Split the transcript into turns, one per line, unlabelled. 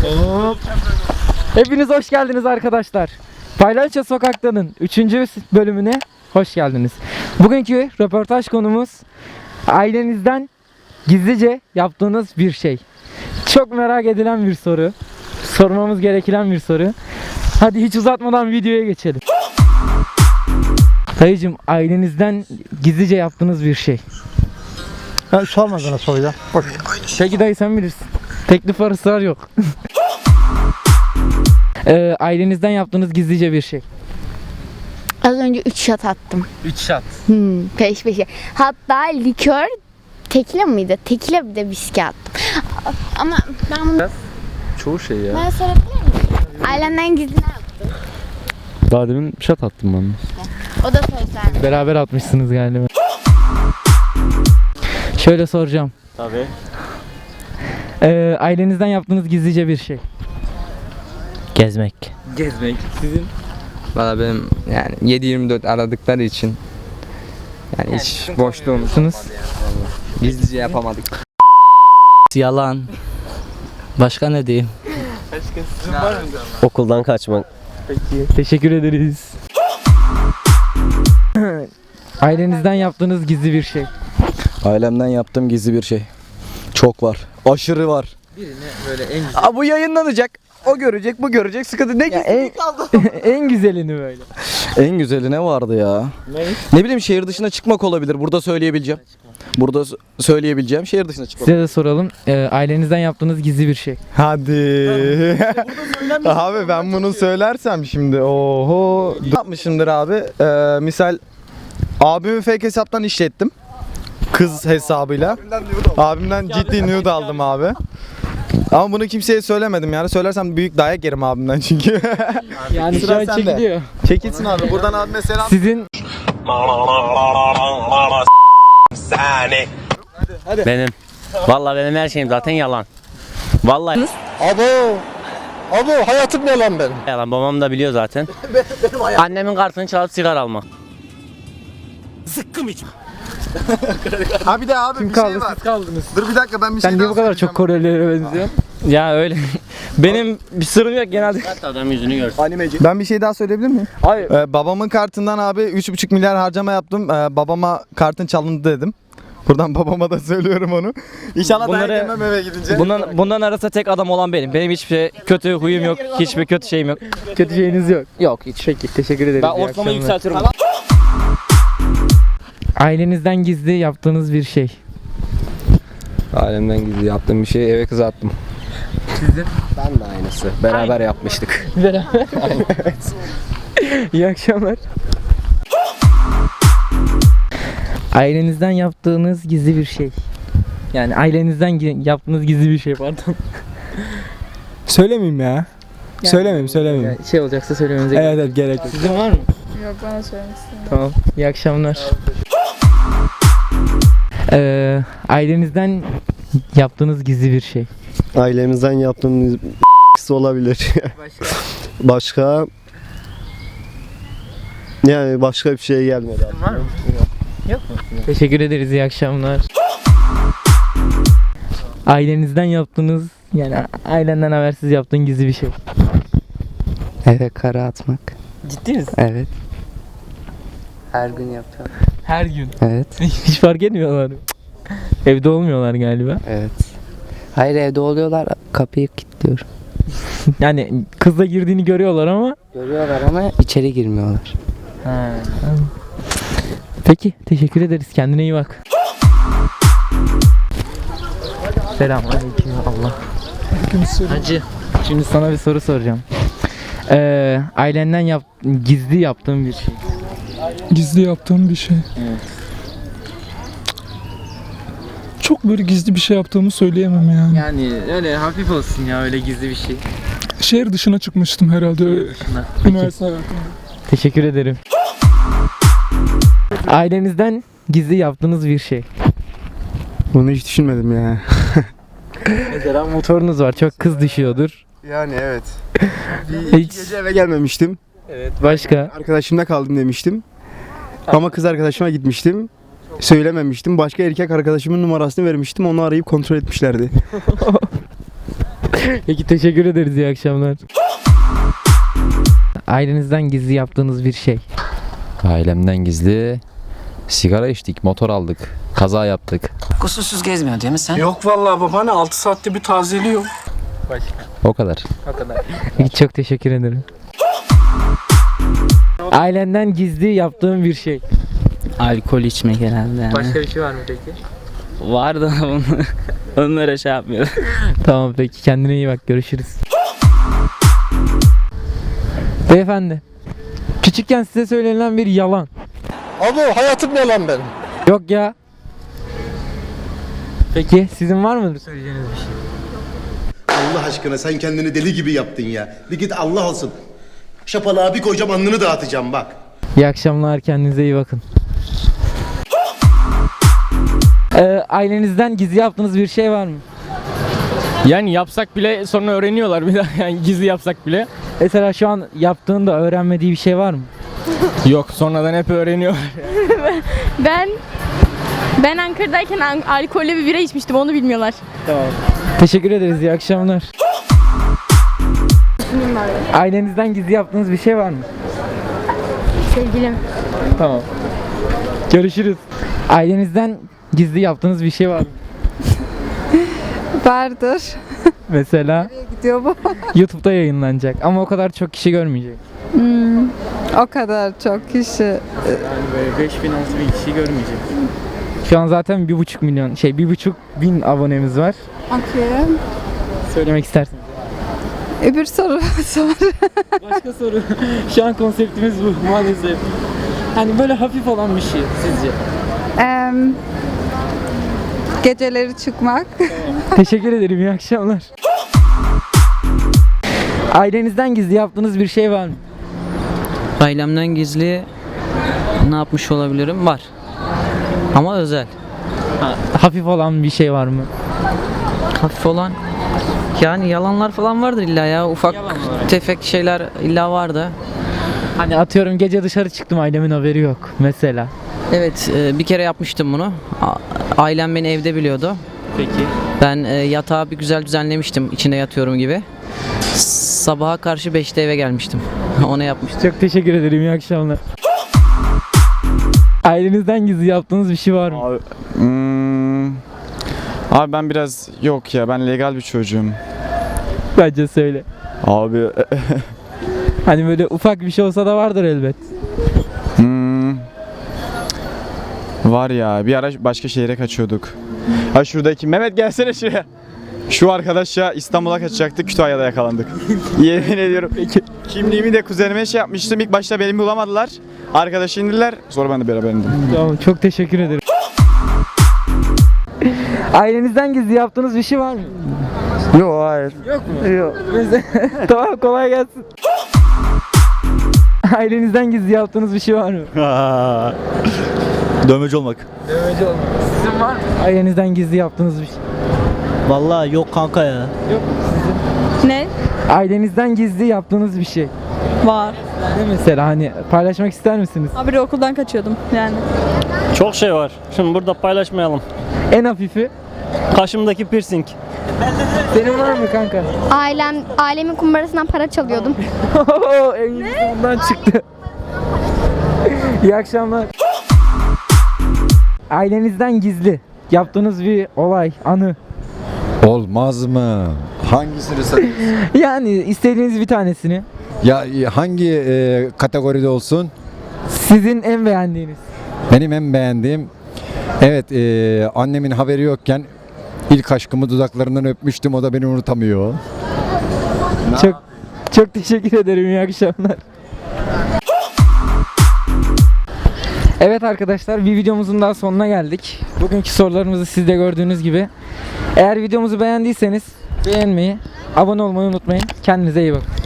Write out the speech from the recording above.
Hop. Hepiniz hoş geldiniz arkadaşlar. Paylaşça Sokak'tanın 3. bölümüne hoş geldiniz. Bugünkü röportaj konumuz ailenizden gizlice yaptığınız bir şey. Çok merak edilen bir soru. Sormamız gereken bir soru. Hadi hiç uzatmadan videoya geçelim. Dayıcım, ailenizden gizlice yaptığınız bir şey.
Ben sorma bana soruyu. Boş.
Peki dayı, sen bilirsin. Teklif var, ısrar yok. Ailenizden yaptığınız gizlice bir şey.
Az önce 3 shot attım.
3 shot.
Peş peşe. Hatta likör tekile miydi? Tekile bir de viski attım. Ama ben bunu...
Çoğu şey ya.
Ben sorabilir miyim? Ailemden gizli ne yaptın?
Daha demin şat attım ben.
O da söz vermedi.
Beraber atmışsınız galiba. Şöyle soracağım.
Tabii.
Ailenizden yaptığınız gizlice bir şey.
Gezmek.
Gezmek. Sizin?
Valla benim yani 7-24 aradıkları için yani hiç boşluğumuz gizlice yapamadık.
Yalan. Başka ne diyeyim?
Okuldan kaçmak.
Peki. Teşekkür ederiz. Ailenizden yaptığınız gizli bir şey.
Ailemden yaptığım gizli bir şey. Çok var. Aşırı var.
Birini böyle en güzel.
Aa, bu yayınlanacak. O görecek, bu görecek. Sıkıntı ne gizli kaldı?
En güzelini böyle.
En güzeli ne vardı ya? Ne bileyim, şehir dışına çıkmak olabilir. Burada söyleyebileceğim. Burada söyleyebileceğim şehir dışına çıkmak.
Size de soralım. Ailenizden yaptığınız gizli bir şey.
Hadi. Abi ben bunu söylersem şimdi oho. Ne yapmışımdır abi? Misal abimi fake hesaptan işlettim. Kız hesabıyla. Abimden ciddi nude aldım abi. Ama bunu kimseye söylemedim yani. Söylersem büyük dayak yerim abimden çünkü.
Yani şu
Sıra
an
sende.
çekiliyor.
Çekilsin abi. Buradan abime selam.
Sizin
Benim. Vallahi benim her şeyim zaten yalan. Vallahi
Abo hayatım ne lan benim?
yalan. Babam da biliyor zaten. Annemin kartını çalıp sigara almak.
Ha bir de abi
kim
bir
kaldı?
şey var.
Siz kaldınız.
Dur bir dakika, ben bir şey
Sen niye bu kadar çok Korelilere benziyorsun?
Ya öyle. Benim bir sırrım yok genelde. Hatta adam yüzünü görsün.
Animeci.
Ben bir şey daha söyleyebilir miyim?
Hayır.
Babamın kartından abi 3,5 milyar harcama yaptım. Babama kartın çalındı dedim. Buradan babama da söylüyorum onu. İnşallah
Bunları-
dayak yemem eve gidince.
Bundan arasında tek adam olan benim. Benim hiçbir şey, kötü huyum yok. Hiçbir kötü şeyim yok.
Kötü şeyiniz yok.
Yok hiç.
Peki, teşekkür ederiz.
Ben
İyi
ortalamayı
akşamlar.
yükseltiyorum.
Ailenizden gizli yaptığınız bir şey.
Ailemden gizli yaptığım bir şey, eve kız attım.
Sizin?
Ben de aynısı. Beraber yapmıştık.
Beraber. İyi akşamlar. Ailenizden yaptığınız gizli bir şey. Yani ailenizden yaptığınız gizli bir şey, pardon.
Söylemeyeyim ya. Söylemeyeyim.
Yani şey olacaksa söylemenize
Evet evet, gerek yok.
Sizin var mı?
Yok, bana söylemişsin.
Tamam. İyi akşamlar. Ailenizden yaptığınız gizli bir şey.
Ailemizden yaptığımız olabilir. Başka yani başka bir şey gelmedi.
Var mı? Yok mu? Teşekkür ederiz. İyi akşamlar. Ailenizden yaptığınız, yani ailenden habersiz yaptığın gizli bir şey.
Eve kara atmak.
Ciddi misin?
Evet. Her gün yapıyorum.
Her gün.
Evet.
Hiç fark etmiyorlar. Evde olmuyorlar galiba.
Evet. Hayır evde oluyorlar. Kapıyı kilitliyorum.
Yani kızla girdiğini görüyorlar ama.
Görüyorlar ama içeri girmiyorlar.
Peki, teşekkür ederiz. Kendine iyi bak. Selamünaleyküm. Allah. Hacı. Şimdi sana bir soru soracağım. Ailenden gizli yaptığın bir şey.
Gizli yaptığım bir şey.
Evet.
Çok böyle gizli bir şey yaptığımı söyleyemem yani.
Yani öyle hafif olsun ya, öyle gizli bir şey.
Şehir dışına çıkmıştım herhalde. Üniversite hayatımda.
Teşekkür ederim. Ailenizden gizli yaptığınız bir şey.
Bunu hiç düşünmedim ya.
Mesela motorunuz var, çok kız düşüyordur.
Yani evet.
Hiç.
Gece eve gelmemiştim.
Evet. Başka?
Arkadaşımda kaldım demiştim. Ama kız arkadaşıma gitmiştim. Söylememiştim. Başka erkek arkadaşımın numarasını vermiştim. Onu arayıp kontrol etmişlerdi.
Peki teşekkür ederiz. İyi akşamlar. Ailenizden gizli yaptığınız bir şey.
Ailemden gizli sigara içtik, motor aldık, kaza yaptık.
Kusursuz gezmiyor değil mi sen?
Yok vallahi babaanne 6 saatte bir tazeliyor.
O kadar.
Peki çok teşekkür ederim. Ailenden gizli yaptığın bir şey.
Alkol içmek herhalde yani.
bir şey var mı peki?
Var da onlara şey yapmıyor.
Tamam peki, kendine iyi bak, görüşürüz. Beyefendi, küçükken size söylenilen bir yalan.
Abi hayatım yalan benim.
Yok ya. Peki sizin var mıdır söyleyeceğiniz bir şey?
Allah aşkına sen kendini deli gibi yaptın ya. Bir git Allah olsun. Şapalığa bir koyacağım alnını dağıtacağım bak.
İyi akşamlar, kendinize iyi bakın. Ailenizden gizli yaptığınız bir şey var mı?
Yani yapsak bile sonra öğreniyorlar bir daha yani gizli yapsak bile.
Mesela şu an yaptığında öğrenmediği bir şey var mı?
Yok sonradan hep öğreniyor.
Ben Ankara'dayken alkollü bir bira içmiştim, onu bilmiyorlar.
Teşekkür ederiz, iyi akşamlar. Ailenizden gizli yaptığınız bir şey var mı?
Sevgilim.
Tamam. Görüşürüz. Ailenizden gizli yaptığınız bir şey var mı?
Vardır.
Mesela
Gidiyor bu.
YouTube'da yayınlanacak ama o kadar çok kişi görmeyecek.
O kadar çok kişi.
Yani böyle 5.000-6.000 kişi görmeyecek. Şu an zaten 1,5 milyon, 1,5 bin abonemiz var.
Okey.
Söylemek istersin.
Öbür soru sor.
Başka soru. Şu an konseptimiz bu maalesef. Hani böyle hafif olan bir şey sizce?
Geceleri çıkmak.
Teşekkür ederim, iyi akşamlar. Ailenizden gizli yaptığınız bir şey var mı?
Ailemden gizli ne yapmış olabilirim? Var. Ama özel.
Hafif olan bir şey var mı?
Hafif olan yani yalanlar falan vardır illa ya. Ufak tefek şeyler illa vardı.
Hani atıyorum gece dışarı çıktım, ailemin haberi yok mesela.
Evet bir kere yapmıştım bunu. Ailem beni evde biliyordu.
Peki.
Ben yatağı bir güzel düzenlemiştim içinde yatıyorum gibi. Sabaha karşı 5'te eve gelmiştim. Onu yapmıştım.
Çok teşekkür ederim, iyi akşamlar. Ailenizden gizli yaptığınız bir şey var mı?
Abi ben biraz yok ya, ben legal bir çocuğum.
Bence söyle.
Abi
Hani böyle ufak bir şey olsa da vardır elbet.
var ya, bir ara başka şehre kaçıyorduk. Ha şuradaki Mehmet gelsene şuraya. Şu arkadaş ya İstanbul'a kaçacaktık, Kütahya'da yakalandık. Yemin ediyorum. Kimliğimi de kuzenime şey yapmıştım. İlk başta beni bulamadılar. Arkadaşı indiler. Sonra ben de beraber indim.
Tamam, çok teşekkür ederim. Ailenizden gizli yaptığınız bir şey var mı?
Yok hayır.
Yok mu? Yok. Tamam, kolay gelsin. Ailenizden gizli yaptığınız bir şey var mı?
Dövmeci olmak.
Dövmeci olmak. Sizin var mı? Ailenizden gizli yaptığınız bir şey.
Vallahi yok kanka ya.
Yok mu sizin?
Ne?
Ailenizden gizli yaptığınız bir şey.
Var.
Ne mesela, hani paylaşmak ister misiniz?
Haberi okuldan kaçıyordum yani.
Çok şey var. Şimdi burada paylaşmayalım.
En hafifi.
Kaşımdaki piercing.
Senin var mı kanka?
Ailemin kumbarasından para çalıyordum.
En iyisi ondan çıktı. İyi akşamlar. Ailenizden gizli yaptığınız bir olay, anı.
Olmaz mı? Hangisini sen?
Yani istediğiniz bir tanesini.
Ya hangi kategoride olsun?
Sizin en beğendiğiniz.
Benim en beğendiğim, evet, annemin haberi yokken ilk aşkımı dudaklarından öpmüştüm, o da beni unutamıyor.
Çok teşekkür ederim, iyi akşamlar. Evet arkadaşlar, bir videomuzun daha sonuna geldik. Bugünkü sorularımızı siz de gördüğünüz gibi. Eğer videomuzu beğendiyseniz beğenmeyi, abone olmayı unutmayın. Kendinize iyi bakın.